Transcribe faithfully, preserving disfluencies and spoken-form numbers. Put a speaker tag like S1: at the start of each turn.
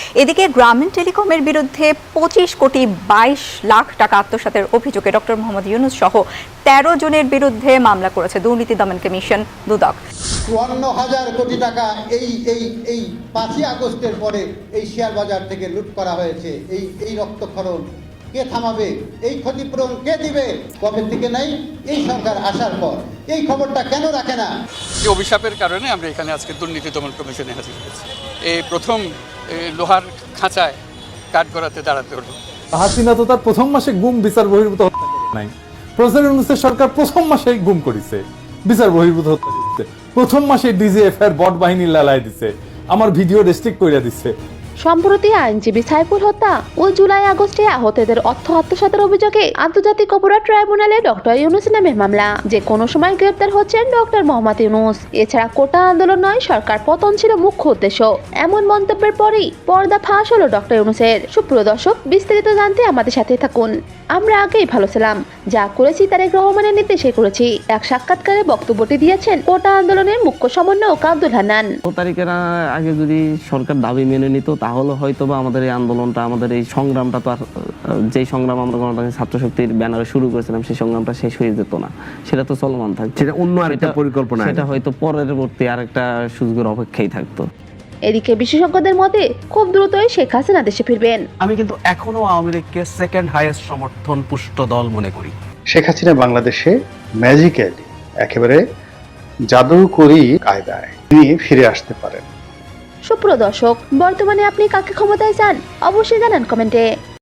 S1: এদিকে গ্রামীণ টেলিকমের বিরুদ্ধে পঁচিশ কোটি বাইশ লাখ টাকা আত্মসাতের অভিযোগে ডক্টর মোহাম্মদ ইউনূস সহ তেরো জনের বিরুদ্ধে মামলা করেছে দুর্নীতি দমন কমিশন দুদক।
S2: চুয়ান্ন হাজার কোটি টাকা এই এই এই পাঁচই আগস্টের পরে এই শেয়ার বাজার থেকে লুট করা হয়েছে। এই এই রক্তক্ষরণ কে থামাবে? এই ক্ষতিপূরণ কে দিবে? কবে থেকে নাই এই সরকার আসার পর এই খবরটা কেন রাখে না?
S3: যে অভিশাপের কারণে আমরা এখানে আজকে দুর্নীতি দমন কমিশনে হাজির হয়েছি। এই প্রথম লোহার খাঁচায় কাঠ গড়াতে দাঁড়াতে হলো।
S4: হাসিনা তো তার প্রথম মাসে গুম বিচার বহির্ভূত হত্যা নাই। প্রফেসর ইউনূসের সরকার প্রথম মাসেই গুম করেছে, বিচার বহির্ভূত হত্যা করতে। প্রথম মাসে ডিজিএফ এর বট বাহিনী লালায় দিছে, আমার ভিডিও রেস্ট্রিক্ট করে দিচ্ছে।
S5: সম্প্রতি আইনজীবী সাইফুল হত্যা ও জুলাই আগস্টে আহতদের অর্থ আত্মসাতের অভিযোগে আন্তর্জাতিক অপরাধ ট্রাইব্যুনালে ডক্টর ইউনূস নামে মামলা। যে কোনো সময় গ্রেপ্তার হচ্ছেন ডক্টর মোহাম্মদ ইউনূস। এছাড়া কোটা আন্দোলন নয়, সরকার পতন ছিল মুখ্য উদ্দেশ্য, এমন মন্তব্যের পরেই পর্দা ফাঁস হলো ডক্টর ইউনূসের। সুপ্রিয় দর্শক, বিস্তারিত জানতে আমাদের সাথে থাকুন। আমরা আগেই ভালো ছিলাম, যা করেছি তারেক রহমানের নির্দেশে করেছি, এক সাক্ষাৎকারে বক্তব্যটি দিয়েছেন কোটা আন্দোলনের মুখ্য সমন্বয়ক আব্দুল হান্নান।
S6: তারিখের আগে যদি সরকার দাবি মেনে নিত তাহলে হয়তো বা আমাদের এই আন্দোলনটা, আমাদের এই সংগ্রামটা তো আর যেই সংগ্রাম আমরা গণতান্ত্রিক ছাত্র শক্তির ব্যানারে শুরু করেছিলাম সেই সংগ্রামটা শেষ হয়ে যেত না, সেটা তো চলমান থাকতো।
S7: সেটা অন্য আরেকটা পরিকল্পনা,
S6: সেটা হয়তো পরবর্তী আরেকটা সুযোগের অপেক্ষাই থাকতো।
S5: এদিকে বিশেষজ্ঞদের মতে খুব দ্রুতই শেখ হাসিনা দেশে ফিরবেন।
S7: আমি কিন্তু এখনো আওয়ামী লীগকে সেকেন্ড হাইয়েস্ট সমর্থন পুষ্ট দল মনে করি।
S8: শেখ হাসিনা বাংলাদেশে ম্যাজিক্যালি একেবারে জাদুকরি কায়দায় তিনি ফিরে আসতে পারেন।
S5: সুপ্রিয় দর্শক, বর্তমানে আপনি কাকে ক্ষমতায় চান অবশ্যই জানান কমেন্টে।